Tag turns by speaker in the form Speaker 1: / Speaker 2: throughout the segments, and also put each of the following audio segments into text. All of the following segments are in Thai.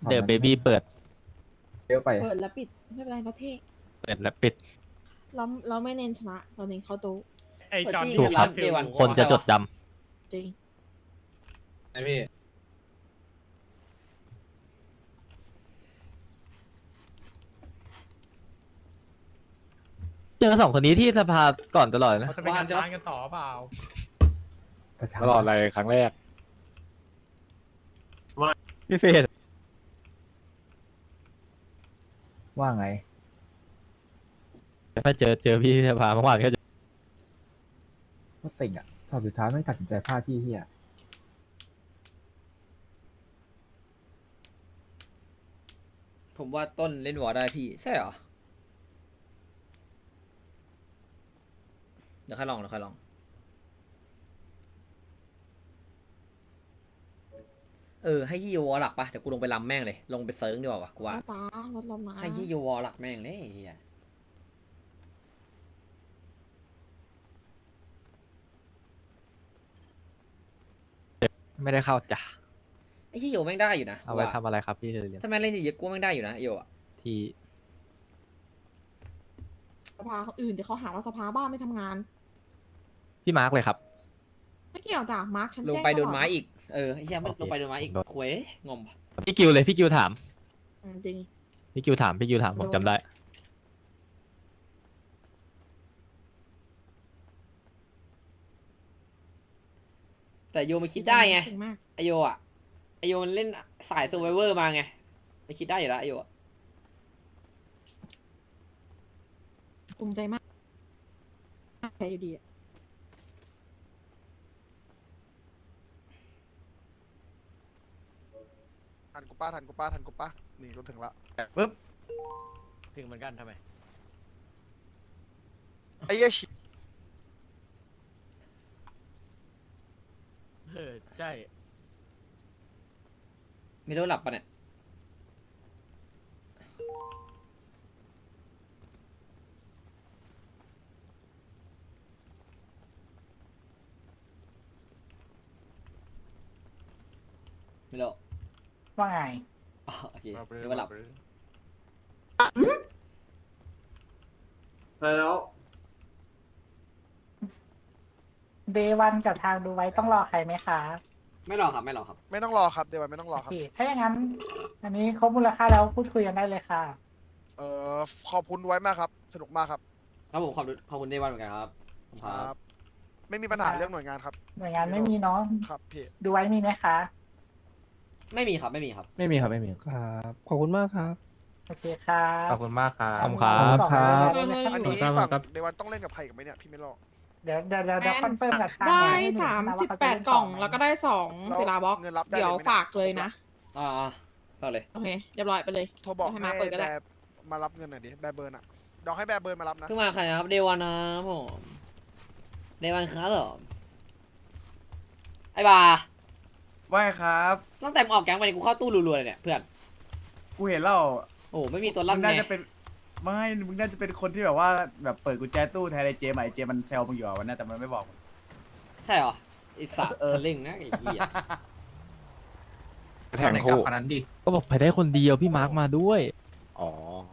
Speaker 1: เดอะเบบี้เปิด
Speaker 2: เยอะไป
Speaker 3: เปิดแล้วปิดไม่เป็นไรเราเท่
Speaker 1: เปิดและปิด
Speaker 3: เราไม่เน้นชนะเราเน้นเข้าตู้
Speaker 4: ไอจอน
Speaker 1: ถูกครับ
Speaker 4: ฟิลอยู่
Speaker 1: คนจะจดจำ
Speaker 3: จริง
Speaker 2: ไอพี่
Speaker 1: เจอสองคนนี้ที่สภาก่อนตลอดนะ
Speaker 4: เขาจะไปงานร้านกันต่อเปล่า
Speaker 5: ตลอดอะไรครั้งแรก
Speaker 1: พี่เฟส
Speaker 2: ว่าไง
Speaker 1: ถ้าเจอพี่ที่สภาเมื่อวานก็จะ
Speaker 2: ก็เซ็งอ่ะตอนสุดท้ายไม่ตัดสินใจพลาดที่เฮีย
Speaker 6: ผมว่าต้นเล่นวอร์ได้พี่ ใช่เหรอ เดี๋ยวค่อยลองให้ยี่วอลหลักปะเดี๋ยวกูลงไปลำแม่งเลย ลงไปเซิร์งดีกว่าวะกูว่า
Speaker 3: จ้าลดลมนะ
Speaker 6: ให้ยี่วอลหลักแม่งเลยไอ้เฮีย
Speaker 1: ไม่ได้เข้าจ้ะ
Speaker 6: ไอ้ยี่โยแม่งได้อยู่นะ
Speaker 1: เอาไว้ทำอะไรครับพี่เรียน
Speaker 6: ถ้าแม่งเล่นเยอะๆกูว่าแม่งได้อยู่นะไอ้โยอะ
Speaker 1: ที่
Speaker 3: สภาเขาอื่นเดี๋ยวเขาหาว่าสภาบ้าไม่ทำงาน
Speaker 1: พี่มาร์กเลยครับ
Speaker 3: ไม่เกี่ยวจ้ะมาร์คฉัน
Speaker 6: ลง
Speaker 3: แจ้ง
Speaker 6: ไปโดน
Speaker 3: ตลอ
Speaker 6: ไม้อีก ไอ้เฮียมัน
Speaker 1: โอเค
Speaker 6: ลงไปโดนไม้อีก
Speaker 1: โดน
Speaker 6: ควยงอมปะ
Speaker 1: พี่กิวเลยพี่กิวถาม
Speaker 3: จริง
Speaker 1: พี่กิวถามผมจำได้
Speaker 6: แต่โยมันคิดได้ไง
Speaker 3: เก่งมาก
Speaker 6: ไอโยมันเล่นสาย s u r v i v o r มาไงไม่คิดได้อยู่แล้วไอโยอะ
Speaker 3: ภูมิใจมากแพ้อยู่ดีอะ
Speaker 7: ทันกูป้านี่รถถึงละ
Speaker 4: ปึ๊บถึงเหมือนกันทำไม
Speaker 7: ไอ้เหี้ยชิ
Speaker 4: ใช่
Speaker 6: ไม่รู้หลับปะเนี่ยไม่รู้
Speaker 8: ว่าไง
Speaker 6: อ๋อโอเคเรียกว่าหลับ
Speaker 2: แล้ว
Speaker 8: เดวันกับทางดูไว้ต้องรอใครไหมคะ
Speaker 6: ไม่หรอกครับ
Speaker 7: ไม่ต้องรอครับเดี๋ยวไม่ต้องรอ
Speaker 8: โอ
Speaker 7: ครับ
Speaker 8: เคถ้าอย่างนั้น อันนี้ครบมูลค่าแล้วพูดคุยกันได้เลยค่ะ
Speaker 7: ขอบคุณไว้มากครับ สนุกมากครับ
Speaker 6: ครับผมขอบคุณเดวันเหมือนกันครับผมครับ
Speaker 7: ไม่มีปัญหาเรื่องหน่วยงานครับ
Speaker 8: หน่วยงานไม่มีเนาะ
Speaker 7: ครับพี่
Speaker 8: ดูไว้มีไหมคะ
Speaker 6: ไม่มีครับไม่มีครับ
Speaker 1: ไม่มีครับไม่มี
Speaker 5: ครับขอบคุณมากครับ
Speaker 8: โอเคค่ะ
Speaker 5: ขอบคุณมากครับ
Speaker 1: ขอบคุณครับ
Speaker 8: บอกได้เลย
Speaker 7: อันนี้
Speaker 5: ครับ
Speaker 7: ฝั่ง
Speaker 5: ครับ
Speaker 7: เดวันต้องเล่นกับใครกับไหมเนี่ยพี่ไม่รอ
Speaker 8: เดี๋ยวคอนเฟิร์มกับทาง
Speaker 3: ได้
Speaker 8: หน่วยให้หนูนะว่าเขาจะเล่น
Speaker 3: 38 กล่อง
Speaker 8: ไหม
Speaker 3: แล้วก็ได้2ศิลาบล็อก
Speaker 7: เงินรับได้
Speaker 3: เดี๋ยว
Speaker 7: เลยไหม
Speaker 3: ฝากเลยนะ
Speaker 6: อ่าเอาเลย
Speaker 3: โอเคเรียบร้อยไปเลย
Speaker 7: โทรบอก
Speaker 3: ให้
Speaker 7: ให้
Speaker 3: มาเปิดก็ได้
Speaker 7: แบร์มารับเงินหน่อยดิแบร์เบิร์นอะเดี๋ยวให้แบร์เบิร์นมารับนะ
Speaker 6: เพิ่งมาใครนะครับเดวันนะครับผมเดวันครับเหรอไอ้บา
Speaker 9: ว่าไงครับ
Speaker 6: ตั้งแต่มึงออกแก๊งไปนี่กูเข้าตู้รัวๆเลยเนี่ยเพื่อน
Speaker 9: กูเห็นแล้ว
Speaker 6: โอ้ไม่มีตัว
Speaker 9: มึ
Speaker 6: ลั่น
Speaker 9: ง
Speaker 6: ไง
Speaker 9: น่าจะเป็นไม่มึงน่าจะเป็นคนที่แบบว่าแบบเปิดกุญแจตู้แทนไอ้เจมส์อะไอ้เจมส์มันแซวมึงอยู่อะวันนั้นแต่มันไม่บอกมึง
Speaker 6: ใช่เหรอไอสัตว์ทะลึ่งนะไอ้เหี้ย
Speaker 5: แทงคู่
Speaker 1: ก็บอกไปได้คนเดียวพี่มาร์กมาด้วย
Speaker 5: อ๋อ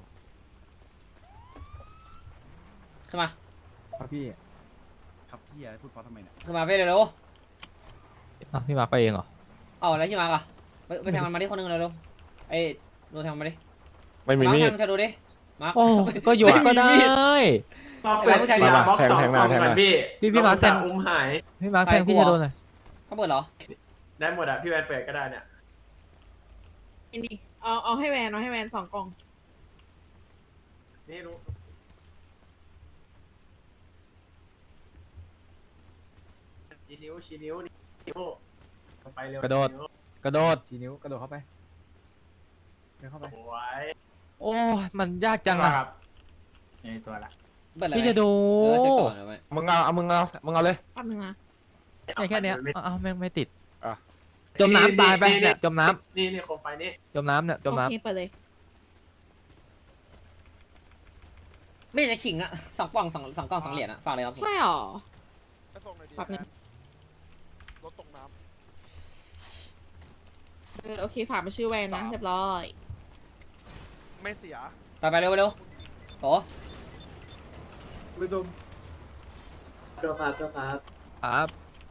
Speaker 6: ขึ้นมา
Speaker 2: ครับพี่
Speaker 9: ครับพี่อะไรพูดเพราะทำไมเนี่ย
Speaker 6: ขึ้นมาเว้ยเร็ว
Speaker 1: อ้าวพี่มาร์กไปเองเหรอ
Speaker 6: ๆเอาแล้วที่มาร์กอะไปแทงมันมาดิคนหนึงเร็วๆไอ้โดนแทงมันมาดิ
Speaker 5: ไม่มี
Speaker 6: มาร์
Speaker 5: มี
Speaker 6: คแท
Speaker 5: ด
Speaker 6: งชาดูดิมาร์ค
Speaker 1: โอ้ก็ยกก็ได้
Speaker 6: เราเปิดผู้ชาย
Speaker 5: มา
Speaker 6: ดีก
Speaker 5: มา
Speaker 6: ว่า
Speaker 5: แทงแทงหน้าแทงหน้า
Speaker 1: พี่มาร์กแทงพี่มาร์กแทงพี่จะโดนอะไร
Speaker 6: เขาเปิดเหรอ
Speaker 4: ได้หมดอ่ะ พี่แวนเปิดก็ได้เนี่ย
Speaker 3: นี่เอาให้แวน2 กล่อง
Speaker 4: นี่รู้ชี้นิ้วไปเร็ว
Speaker 1: กระโดด กระโดด
Speaker 2: ชี้นิ้วกระโดดเข้าไปเดินเข้าไป
Speaker 4: โอ้ย
Speaker 1: โอ้ยมันยากจังอะ
Speaker 4: นี่ตัวละ
Speaker 6: เปิดอะไร
Speaker 1: พี่จะดู
Speaker 6: เช็คก่อนเดี๋ยวไหม
Speaker 5: มึงเอาเลย
Speaker 3: แป๊บนึงนะ
Speaker 1: เนี่ยแค่เนี้ยอ้าวแม่งไม่ติด
Speaker 5: อ่ะ
Speaker 1: จมน้ำตายไปเนี่ยจมน้
Speaker 4: นี่โคมไฟนี่
Speaker 1: ำจมน้ำเนี่ยจม
Speaker 3: โอ
Speaker 1: น้
Speaker 3: เคเปิดเลย
Speaker 6: ไม่อยากจะขิงอะ2 กล่อง2 กล่อง 2 เหรียญอะฝากเลยครับ
Speaker 3: ใช่หรอ
Speaker 7: ไปส่งหน่อยดิ
Speaker 3: แป๊บนึง
Speaker 7: รถตกน้
Speaker 3: โอเคฝากมาชื่อแวนนะเรียบร้อย
Speaker 7: ไม่เสีย
Speaker 6: ไปเร็วเร็วโอ้
Speaker 4: ไม่จมเจ้าครับเจ้าครับ
Speaker 1: ครับ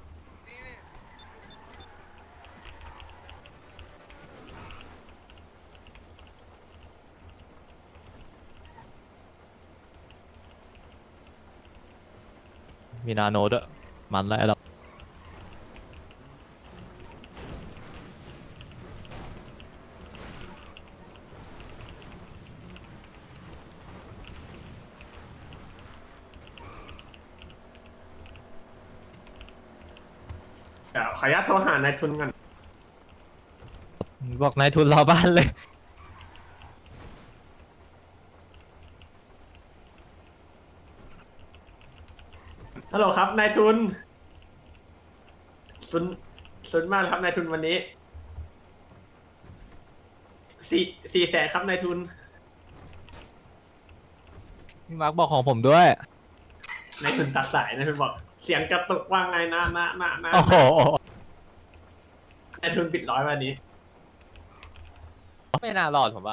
Speaker 1: มีนาโนด้วยมันแล้วเรา
Speaker 4: เดี๋ยวขออนุญาตโทรหานายทุนกัน
Speaker 1: บอกนายทุนรอบ้านเลย
Speaker 4: ฮัลโหลครับนายทุนซุนมากเลยครับนายทุนวันนี้400,000ครับนายทุน
Speaker 1: พี่มาร์กบอกของผมด้วย
Speaker 4: นายทุนตัดสายนายทุนบอกเสียงกระตุกว่าไงนะ
Speaker 1: โอ้โห
Speaker 4: นายทุนปิด100วันนี้
Speaker 1: ไม่น่ารอดผมว่า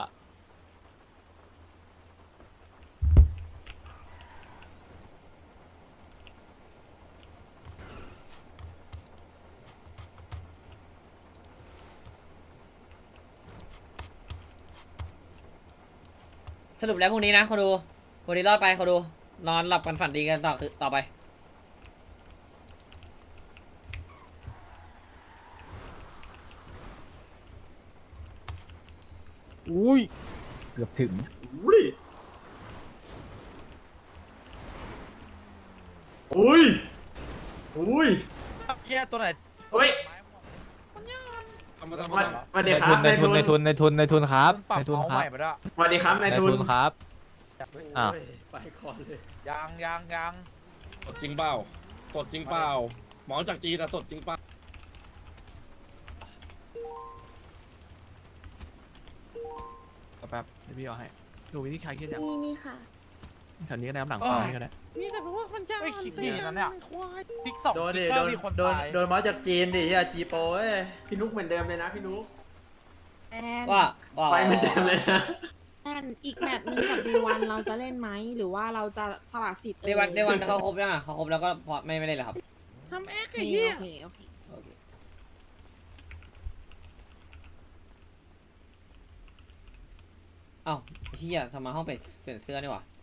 Speaker 6: สรุปแล้วพรุ่งนี้นะเขาดูวันนี้รอดไปเขาดู นอนหลับกันฝันดีกันต่อไป
Speaker 1: อุ้ย
Speaker 2: เกือบถึง
Speaker 4: อุ้ยอุ้ยอุ้ย
Speaker 1: เฮียตัวไหน
Speaker 4: เฮ้ยสวัสดีครับ
Speaker 1: ในทุนในทุนในทุนในทุนครับในทุนครับ
Speaker 4: สวัสดีครับนายทุน
Speaker 1: ครับอ่ะ
Speaker 4: ไปก่อนเลย
Speaker 10: ยังสดจริงเปล่าสดจริงเปล่าหมอจากจีนอะสดจริงเปล่า
Speaker 1: แป๊บเดี๋ยวพี่เอาให้ดูวิธีคลายเครียดอย่าง
Speaker 3: มีค่ะ
Speaker 1: แถวนี้ก็ได้น้ำหลังปั๊มนี่ก็ได้
Speaker 10: ไม่คิดดีนะเนี่ยทิกสอง
Speaker 11: โดนดิ
Speaker 10: ทิกเกอร์มีคนตาย
Speaker 11: โดนมาจากจีนดิเฮียจีโปเอ้ย
Speaker 4: พี่นุ๊กเหมือนเดิมเลยนะพี่นุ๊ก
Speaker 3: แอน
Speaker 6: ว่า
Speaker 4: ไปเหมือนเดิมเลยนะ
Speaker 3: แอนอีกแมตช์หนึงกับเดวันเราจะเล่นไหมหรือว่าเราจะสละสิทธิ์
Speaker 6: เดวันเขาครบยังอ่ะเขาครบแล้วก็พอไม่ได้เลยครับ
Speaker 3: ทำเอ็กซ์โอเคโอเค
Speaker 6: โอเคอ้าวเฮียทำไมห้องเปลี่ยนเสื้อนี่หว่า